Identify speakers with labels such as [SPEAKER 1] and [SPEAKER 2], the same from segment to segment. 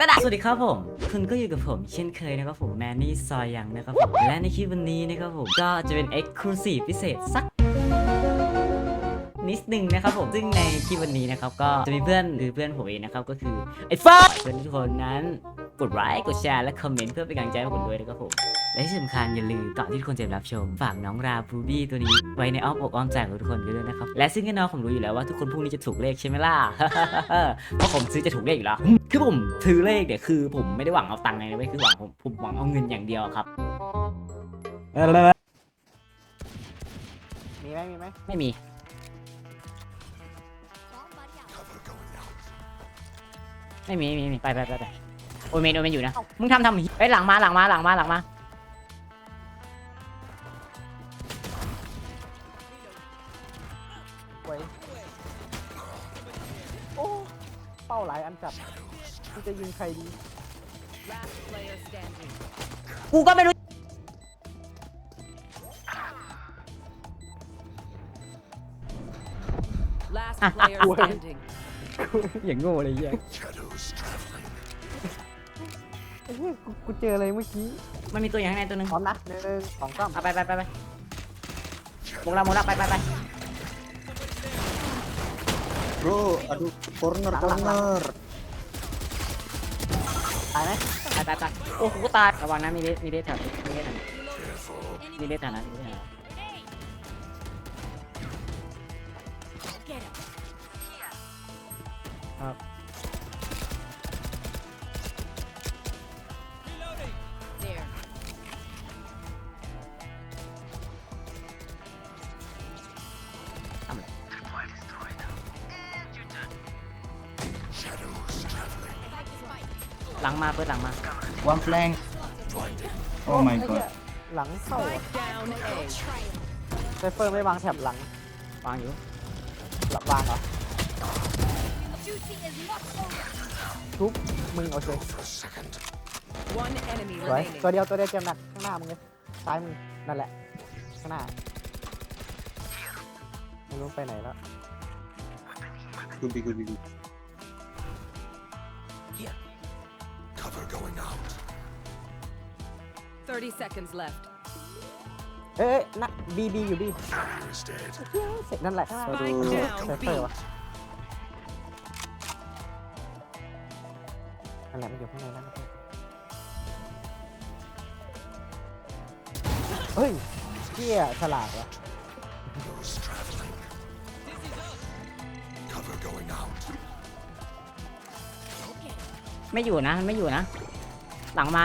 [SPEAKER 1] กันอะสวัสดีครับผมคุณก็อยู่กับผมเช่นเคยนะครับผมแมนนี่ซอยยังนะครับผมและในคลิปวันนี้นะครับผมก็จะเป็น Exclusive พิเศษสักนิดนึงนะครับผมซึ่งในคลิปวันนี้นะครับก็จะมีเพื่อนผมเองนะครับก็คือไอ้ฟ้าเพื่อนทุกคนนั้นกดไลค์กดแชร์และคอมเมนต์เพื่อเป็นกำลังใจให้ผมด้วยนะครับผมและที่สำคัญอย่าลืมก่อนที่ทุกคนจะรับชมฝากน้องราบูบี้ตัวนี้ไว้ในอ้อมอกอ้อมใจของทุกคนด้วยนะครับและซึ่งแน่นอนผมรู้อยู่แล้วว่าทุกคนพวกนี้จะถูกเลขใช่ไหมล่ะ เพราะผมซื้อจะถูกเลขอยู่แล้วคือผมซื้อเลขเนี่ยคือผมไม่ได้หวังเอาตังค์ไงนะเว้ยคือผมหวังเอาเงินอย่างเดียวครับ
[SPEAKER 2] มีไหม
[SPEAKER 1] ไม่มีไม่มีไปโอเมนอยู่นะมึงทำเฮ้ยหลังมา
[SPEAKER 2] ไว้โอ้เป้าหลายอันจับที่จะยิงใครดี
[SPEAKER 1] กูก็ไม่รู้
[SPEAKER 3] Last player standing.
[SPEAKER 1] อย่างโง่เลยเหี้ย
[SPEAKER 2] ไอ้เหี้ยกูเจออะไรเมื่อกี้
[SPEAKER 1] มันมีตัวอย่างข้างในตัวนึง
[SPEAKER 2] พร้อมนะ1 2 3
[SPEAKER 1] เอาไปหมดละไป
[SPEAKER 4] Bro, aduh, corner.
[SPEAKER 2] ตายไหม
[SPEAKER 1] ไปโอ้โหตายระวังนะมีเลสแถวนั้นครับ
[SPEAKER 3] There.
[SPEAKER 1] ทำอะไรหลังมาเปิดหลังมา
[SPEAKER 4] One flank. Oh my
[SPEAKER 2] ไอ้เหี้
[SPEAKER 4] god.
[SPEAKER 2] ยหลังเข้า
[SPEAKER 3] Spike down A.
[SPEAKER 2] ไซเฟอร์ไม่วางแถบหลัง
[SPEAKER 1] วางอยู่
[SPEAKER 2] หลับวางเหรอทุบมึงโอเค
[SPEAKER 3] One enemy
[SPEAKER 2] สวย
[SPEAKER 3] remaining.
[SPEAKER 2] ตัวเดียวเจ็บหนักข้างหน้ามึงเลยซ้ายมึงนั่นแหละข้างหน้าไม่รู้ไปไหนแล้ว
[SPEAKER 4] Could be.
[SPEAKER 5] Cover going out.
[SPEAKER 3] 30 seconds left.
[SPEAKER 2] เอ้ยนะบีอยู่บี
[SPEAKER 5] Barrier is dead.
[SPEAKER 2] เสร็จนั่นแหละ
[SPEAKER 3] Spike
[SPEAKER 2] ไซ
[SPEAKER 3] down
[SPEAKER 2] เฟอร์
[SPEAKER 3] B.
[SPEAKER 2] วะนั่นแหละมันอยู่ข้างในนั่นเฮ้ยเกี้ยฉลาดวะ
[SPEAKER 5] Those traveling. Cover going out.
[SPEAKER 1] ไม่อยู่นะหลังมา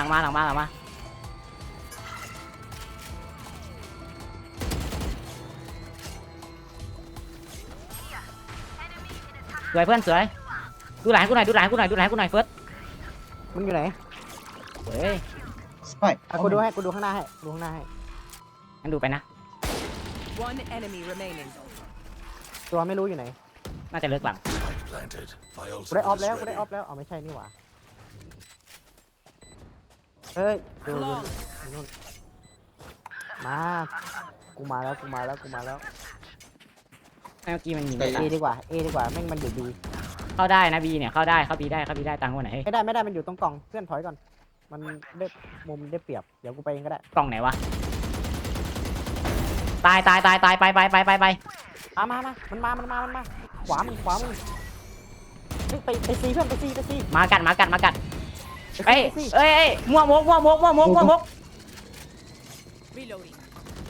[SPEAKER 1] สวยเพื่อนสวยดูหลังกูหน่อยเฟิร์ส
[SPEAKER 2] มึงอยู่ไหน
[SPEAKER 1] เฮ้ย
[SPEAKER 4] Spike.
[SPEAKER 2] อ่ะกูดูข้างหน้าให้
[SPEAKER 1] งั้นดูไปนะ
[SPEAKER 3] One enemy remaining.
[SPEAKER 2] ตัวไม่รู้อยู่ไหน
[SPEAKER 1] น่าจะเลิกหลัง
[SPEAKER 5] Spike planted. My
[SPEAKER 2] กูได้ออฟ
[SPEAKER 5] ultimate
[SPEAKER 2] แล้ว
[SPEAKER 5] is
[SPEAKER 2] กูได้
[SPEAKER 5] ready.
[SPEAKER 2] ออฟแล้วอ๋อไม่ใช่นี่หว่าเฮ้ยดู
[SPEAKER 3] Long.
[SPEAKER 2] นู่นมากูมาแล้ว
[SPEAKER 1] เมื่อกี้มันยิง
[SPEAKER 4] ไป
[SPEAKER 2] เอดีกว่าแม่งมันอยู่บี
[SPEAKER 1] เข้าได้นะบีเนี่ยเข้าบีได้ตังค์วันไหน
[SPEAKER 2] ไม่ได้มันอยู่ตรงกล่องเพื่อนถอยก่อนมันได้มุมได้เปรียบเดี๋ยวกูไปเองก็ได้
[SPEAKER 1] กล่องไหนวะตายไป
[SPEAKER 2] มามันมาขวามึงเฮ้ยไปซีเพื่อนไปซี
[SPEAKER 1] มากัดเอ้ยมั่วมก
[SPEAKER 3] Reloading.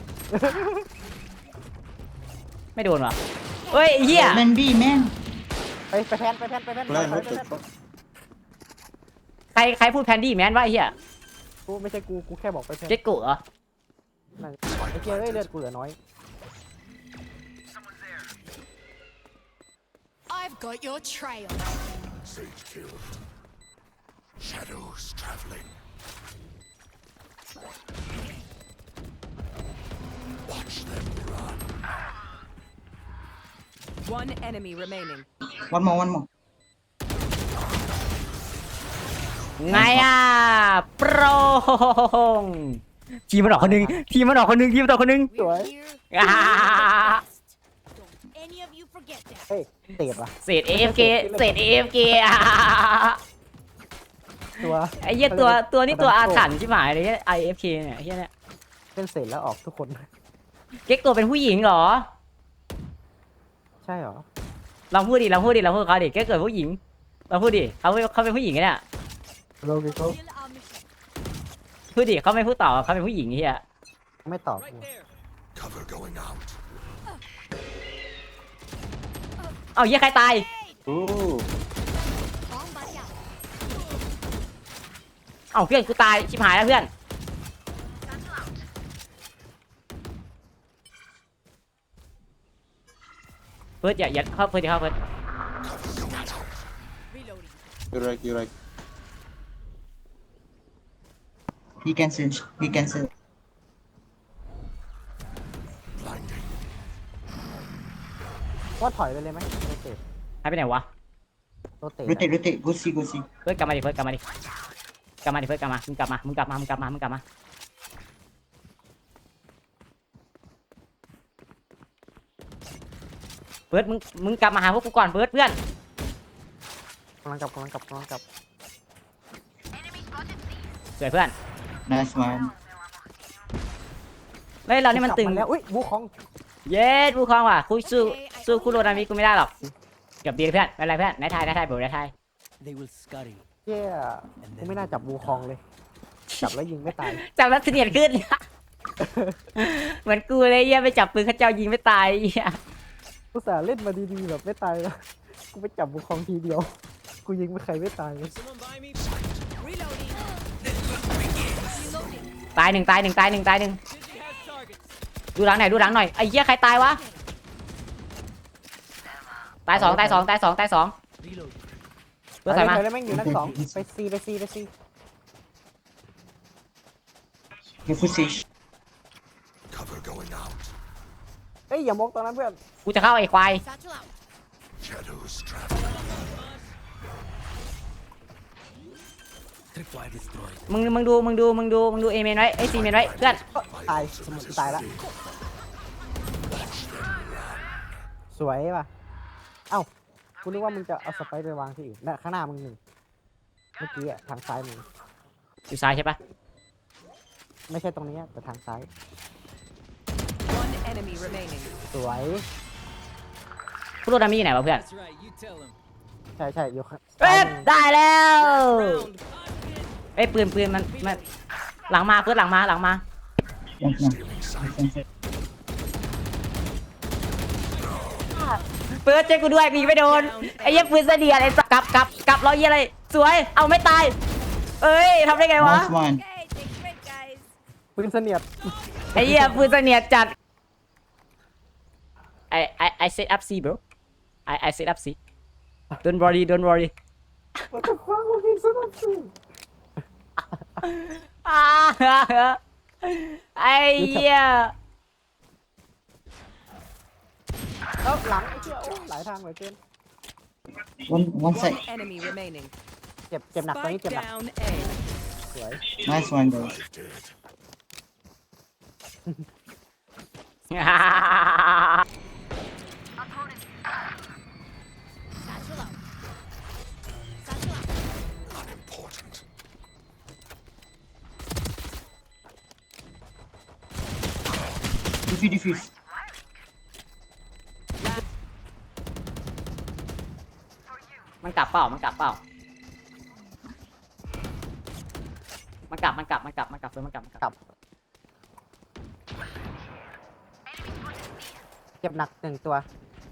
[SPEAKER 1] ไม่โดนว่ะเฮ้ยเหี้ย
[SPEAKER 4] Man B, man.
[SPEAKER 2] ไปแพน
[SPEAKER 4] Plan,
[SPEAKER 2] ถอย
[SPEAKER 4] what the fuck?
[SPEAKER 1] ใครพูดแพนดี้แมนวะไอ้เหี้ย
[SPEAKER 2] กูไม่ใช่กูแค่บอกไปแพน
[SPEAKER 1] เจ็ดกุเหรอ
[SPEAKER 2] นั่นไอ้เจ้ยเอ้ยเลือดกูเหลือน้อย
[SPEAKER 6] I've got your trail.
[SPEAKER 5] Sage killed. Shadows traveling. Watch them run.
[SPEAKER 3] One enemy remaining.
[SPEAKER 4] One more.
[SPEAKER 1] ไงอ่ะโปรทีมมันออกคนนึง
[SPEAKER 6] We're
[SPEAKER 2] Right.
[SPEAKER 6] here.
[SPEAKER 1] Ah.
[SPEAKER 6] Don't any of you forget that.
[SPEAKER 2] เฮ้ยเตะว่ะ
[SPEAKER 1] เศษ AFK อ่ะ
[SPEAKER 2] ตัว
[SPEAKER 1] ไอ้เหี้ยตัวนี่ตัวอาถรรพ์ชิบหายเลย IFK เนี่ยไอ้เหี้ยเนี่ย
[SPEAKER 2] เล่นเสร็จแล้วออกทุกคน
[SPEAKER 1] เก๊กตัวเป็นผู้หญิงเหรอ
[SPEAKER 2] ใช่เหรอ
[SPEAKER 1] ลองพูดดิเขาดิเก๊กเกิดผู้หญิงเราพูดดิเขาเป็นผู้หญิงไงเนี่ย
[SPEAKER 2] เราเขา
[SPEAKER 6] Kill our mission.
[SPEAKER 1] พูดดิเขาไม่พูดต่อเขาเป็นผู้หญิงไอ้เหี้ย
[SPEAKER 2] ไม่ตอบ
[SPEAKER 5] Cover going out.
[SPEAKER 1] เอาเหี้ยใครตาย
[SPEAKER 6] Bomb buddy out.
[SPEAKER 1] เอาเพื่อนกูตายชิบหายแล้วเพื่อนเฟิร์สอย่าเข้าเฟิร์สอย่าเข้าเฟิร์ส
[SPEAKER 5] Cover going out.
[SPEAKER 6] Reloading.
[SPEAKER 4] You're right, you're right. He can sense. He can sense.
[SPEAKER 5] Blinding.
[SPEAKER 2] ว่าถอยไปเลยไหมโรเตท
[SPEAKER 1] หายไปไหนวะ
[SPEAKER 2] โรเตท
[SPEAKER 4] Rotate, rotate. Go see, go see.
[SPEAKER 1] เฟิร์สกลับมาดิเฟิร์สกลับมาดิเฟิร์สกลับมามึงกลับมาเฟิร์สมึงกลับมาหาพวกกูก่อนเฟิร์สเพื่อน
[SPEAKER 2] กำลังกลับ
[SPEAKER 1] สวยเพื่อน
[SPEAKER 4] Nice one.
[SPEAKER 1] เฮ้ยเรานี่มันตึง
[SPEAKER 2] กลับาแล้วอุ้ยบูคอง
[SPEAKER 1] เย็ดผู้ครองว่ะคุยสู้คุโรนามิกูไม่ได้หรอกเกือบดีเพื่อนไม่เป็นไรเพื่อนนายทายผมนายทาย
[SPEAKER 7] They will scurry.
[SPEAKER 2] เจ้ยกูไม่น่าจับบูคองเลย จับแล้วยิงไม่ตาย
[SPEAKER 1] จับแล้วเสนียดขึ้น เหมือนกูเลยเหี้ยไปจับปืนเขาเจ้ายิงไม่ตายเหี้ย
[SPEAKER 2] กูสาห์เล่นมาดีๆแบบไม่ตายแล้วกูไปจับบูคองทีเดียว กูยิงไม่ใครไม่ตายเลย
[SPEAKER 6] Reloading.
[SPEAKER 1] ตายหนึ่งดูหลังหน่อยไอ้เหี้ยใครตายวะตายสอง
[SPEAKER 7] Reload.
[SPEAKER 1] ตัวใส่มา
[SPEAKER 2] ไปเลยแม่งอยู่นั่นสองไปซี
[SPEAKER 4] You push it.
[SPEAKER 5] Cover going out.
[SPEAKER 2] เอ้ยอย่ามองตอนนั้นเพื่อน
[SPEAKER 1] กูจะเข้าไอ้ควาย
[SPEAKER 6] Satchel out.
[SPEAKER 5] Shadows traveling.
[SPEAKER 7] Tripwire destroyed.
[SPEAKER 1] มึงดูเอเมนไว้ไอ้ซีเมนไว้เพื่อน
[SPEAKER 2] ตายสมุนตายละสวยป่ะเอ้ากูนึกว่ามึงจะเอาสไปร์ไปวางที่อื่นน่ะข้างหน้ามึงหนึ่งเมื่อกี้อะทางซ้ายมึง
[SPEAKER 1] อยู่ซ้ายใช่ปะ
[SPEAKER 2] ไม่ใช่ตรงนี้แต่ทางซ้าย
[SPEAKER 3] One enemy remaining.
[SPEAKER 2] สวย
[SPEAKER 1] คุโรนามิอยู่ไหนวะเพื่อน
[SPEAKER 7] That's right. You tell them.
[SPEAKER 2] ใช่อยู่ข้าง
[SPEAKER 1] เอ้
[SPEAKER 2] ซ้าย
[SPEAKER 1] ย
[SPEAKER 2] มึง
[SPEAKER 1] ได้แล้ว
[SPEAKER 3] Round.
[SPEAKER 1] ไอ้ยปืนมันหลังมาเพื่อนหลังมา
[SPEAKER 4] Yes, no.
[SPEAKER 5] Stealing sight.
[SPEAKER 4] Sensor.
[SPEAKER 1] เปิดเจ๊กูด้วยกูยิงไม่โดนไอ้เหี้ยปืนเสนียดไอ้สัสกลับร้อยยี่อะไรสวยเอาไม่ตายเอ้ยทำได้ไงวะ
[SPEAKER 4] Nice one.
[SPEAKER 6] Okay, take a break, guys.
[SPEAKER 2] ปืนเสนียด
[SPEAKER 1] ไอ้เหี้ยปืนเสนียดจัดI set up C bro I set up C don't worry
[SPEAKER 2] What the fuck มึงยิงสนับสนุน
[SPEAKER 1] ไอ้เหี้ย
[SPEAKER 2] เอ้าหลังไอ้เจ้าหลายทางเหลือเกิน
[SPEAKER 4] One
[SPEAKER 3] One
[SPEAKER 4] side.
[SPEAKER 3] enemy remaining.
[SPEAKER 2] เจ็บหนักตอนนี้
[SPEAKER 3] Spike
[SPEAKER 2] เจ็บหนัก
[SPEAKER 3] down A.
[SPEAKER 2] สวย
[SPEAKER 4] Nice one, guys.
[SPEAKER 5] Five dead.
[SPEAKER 6] Satchel out. Satchel out.
[SPEAKER 5] Unimportant.
[SPEAKER 4] Defuse.
[SPEAKER 1] มันกลับเปล่ามันกลับเฟิร์สมันกลับ
[SPEAKER 2] กลับเจ็บหนักหนึ่งตัว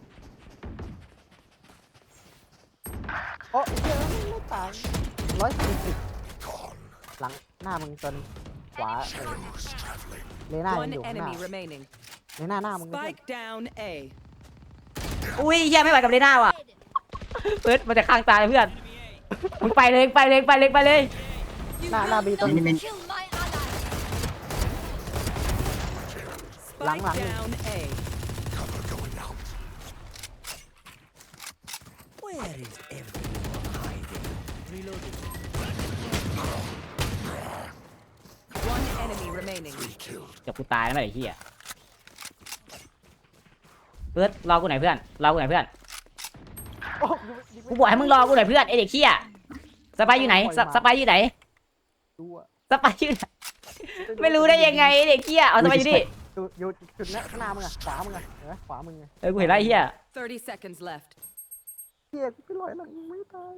[SPEAKER 2] โอ้ยเจ้าไม่ตาย140
[SPEAKER 5] Gone.
[SPEAKER 2] หลังหน้ามึงจนขวา
[SPEAKER 5] Shadows traveling.
[SPEAKER 2] เลน่ายัง
[SPEAKER 3] One
[SPEAKER 2] อยู่ข้างหน้า
[SPEAKER 3] enemy remaining.
[SPEAKER 2] เลน่าหน้ามึงไม่ใช่
[SPEAKER 3] Spike down A.
[SPEAKER 1] อุ้ยเหี้ยไม่ไหวกับเลน่าว่ะเฟิร์สมันจะข้างตายเพื่อนมึงไปเลย
[SPEAKER 2] หน้าบีตรง
[SPEAKER 4] Enemy.
[SPEAKER 6] Kill my ally.
[SPEAKER 3] Spike
[SPEAKER 2] Lang.
[SPEAKER 3] down A.
[SPEAKER 5] Cover going out.
[SPEAKER 7] Where is everyone hiding? Reloading.
[SPEAKER 3] One enemy remaining.
[SPEAKER 5] Three killed.
[SPEAKER 1] เดี๋ยวกูตายแล้วไอ้เหี้ยเฟิร์สรอกูหน่อยเพื่อน
[SPEAKER 2] โอ้
[SPEAKER 1] กูบอกให้มึงรอกูหน่อยเพื่อนไอเด็กเหี้ยสไปร์อยู่ไหนสไปร์อยู่ไหน
[SPEAKER 2] ดูอะ
[SPEAKER 1] สไปร์อยู่ไหนไม่รู้ได้ยังไงเด็กเหี้ยเอาสไปร์อยู่นี่
[SPEAKER 2] อยู่จุดนั้นข้างหน้ามึงอะขวามึงอะเห็นไหมขวามึงไง
[SPEAKER 1] กูเห็นแล้วไอ้เหี้ย
[SPEAKER 3] 30 seconds left.
[SPEAKER 2] เฮียกูไปลอยหลังมึงไม่ตาย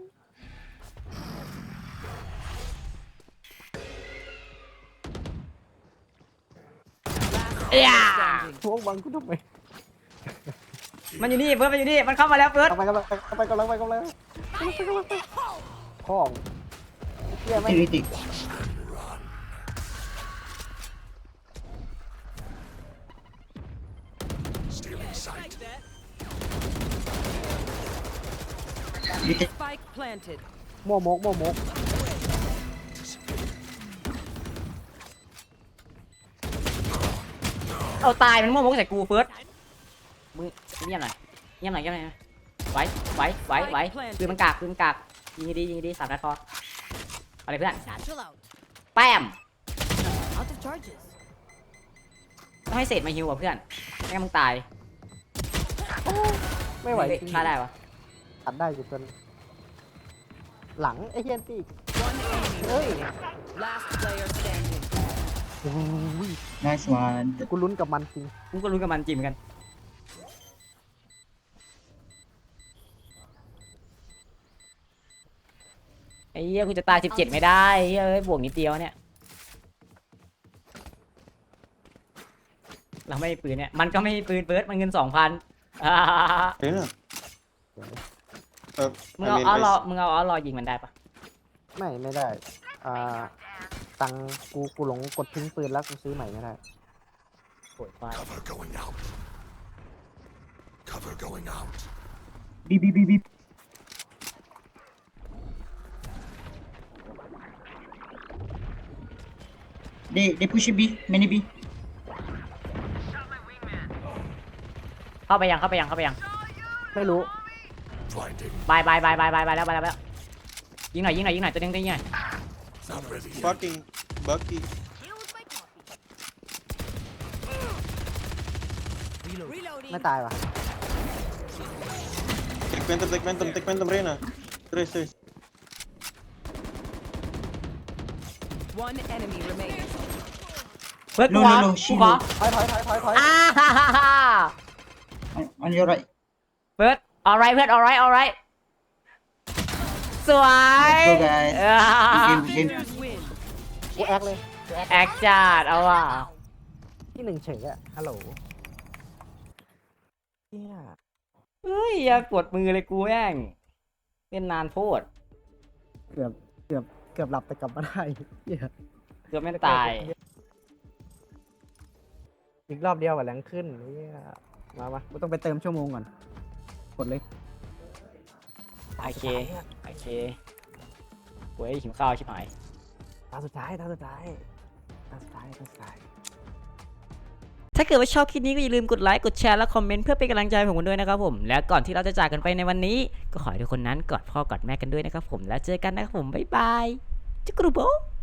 [SPEAKER 1] เอ้ย
[SPEAKER 3] Standing.
[SPEAKER 2] พวกบังกูทำไม
[SPEAKER 1] มันอยู่นี่เฟิร์สมันอยู่นี่มันเข้ามาแล้วเฟิร์ส
[SPEAKER 2] กำลังของเฮียไม่
[SPEAKER 4] Activity.
[SPEAKER 5] Stealing sight.
[SPEAKER 3] Spike planted.
[SPEAKER 2] โมก
[SPEAKER 1] เอาตายมันมั่วมกใส่กูเฟิร์สมึงเงียบหน่อยไว้คือมันกากยิงดีสามนัดพอเอาเลยเพื่อน
[SPEAKER 6] Satchel out.
[SPEAKER 1] แป้ม
[SPEAKER 6] Out of charges.
[SPEAKER 1] ต้องให้เศษมาฮิวอ่ะเพื่อนไม่งั้นมึงตาย
[SPEAKER 2] ไม่ไหวจริง
[SPEAKER 1] ฆ่าได้ปะ
[SPEAKER 2] ตัดได้อยู่จนหลังไอ้เฮียตี
[SPEAKER 3] One enemy remaining. Last player standing.
[SPEAKER 2] โอ้ย
[SPEAKER 4] Nice one.
[SPEAKER 2] กูลุ้นกับมันจริง
[SPEAKER 1] กูก็รู้กับมันจริงเหมือนกันไอ้เหี้ยกูจะตาย17ไม่ได้เฮ้ยบวกนิดเดียวเนี่ยเราไม่มีปืนเนี่ยมันก็ไม่มีปืนเฟิร์สมันเงิน 2,000
[SPEAKER 8] Reyna.
[SPEAKER 1] มึงเอาอ้อรอยิงมันได้ปะ
[SPEAKER 2] ไม่ได้ตังกูหลงกดทิ้งปืนแล้วกูซื้อใหม่ไม่ได้
[SPEAKER 1] โอ้ยควาย
[SPEAKER 5] Cover going out. Cover going out.
[SPEAKER 4] B. They push B. Many B.
[SPEAKER 1] เข้าไปยัง
[SPEAKER 2] ไม่รู้
[SPEAKER 5] Blinding.
[SPEAKER 1] บายแล้วยิงหน่อยตัวนึงยิงหน่อย
[SPEAKER 5] Not ready yet.
[SPEAKER 8] Fucking Bucky.
[SPEAKER 6] Here's my coffee.
[SPEAKER 3] Reloading.
[SPEAKER 2] ไม่ตายว่ะ
[SPEAKER 8] Take Phantom, Reyna. Trace.
[SPEAKER 3] One enemy remaining.
[SPEAKER 1] เฟิร์ส
[SPEAKER 4] No,
[SPEAKER 1] กูขอ
[SPEAKER 4] no,
[SPEAKER 1] กู
[SPEAKER 4] she
[SPEAKER 1] ขอ
[SPEAKER 4] no.
[SPEAKER 2] ถอย
[SPEAKER 1] อ่าฮ่าฮ่าฮ่า
[SPEAKER 4] On your right.
[SPEAKER 1] เฟิร์ส alright เพื่อน alright สวย
[SPEAKER 4] Let's go, guys.
[SPEAKER 1] อ่า
[SPEAKER 4] Game.
[SPEAKER 3] Winners win.
[SPEAKER 2] กูแอคเลย
[SPEAKER 1] แอคจัดเอาว่ะ
[SPEAKER 2] ที่หนึ่งเฉยอะฮัลโหลเฮีย
[SPEAKER 1] เฮ้ยอย่าปวดมือเลยกูแม่งเล่นนานโพด
[SPEAKER 2] เกือบหลับแต่กลับมาได้เฮีย
[SPEAKER 1] เกือบไม่ตาย
[SPEAKER 2] อีกรอบเดียวกับแรงขึ้นเฮียมากูต้องไปเติมชั่วโมงก่อนกดเลย
[SPEAKER 1] โอเคเว้ยหิวข้าวชิบหาย
[SPEAKER 2] ตาสุดท้าย
[SPEAKER 1] ถ้าเกิดว่าชอบคลิปนี้ก็อย่าลืมกดไลค์กดแชร์และคอมเมนต์เพื่อเป็นกำลังใจให้ผมด้วยนะครับผมและก่อนที่เราจะจากกันไปในวันนี้ก็ขอให้ทุกคนนั้นกอดพ่อกอดแม่กันด้วยนะครับผมแล้วเจอกันนะครับผมบ๊ายบายจุกรูโบ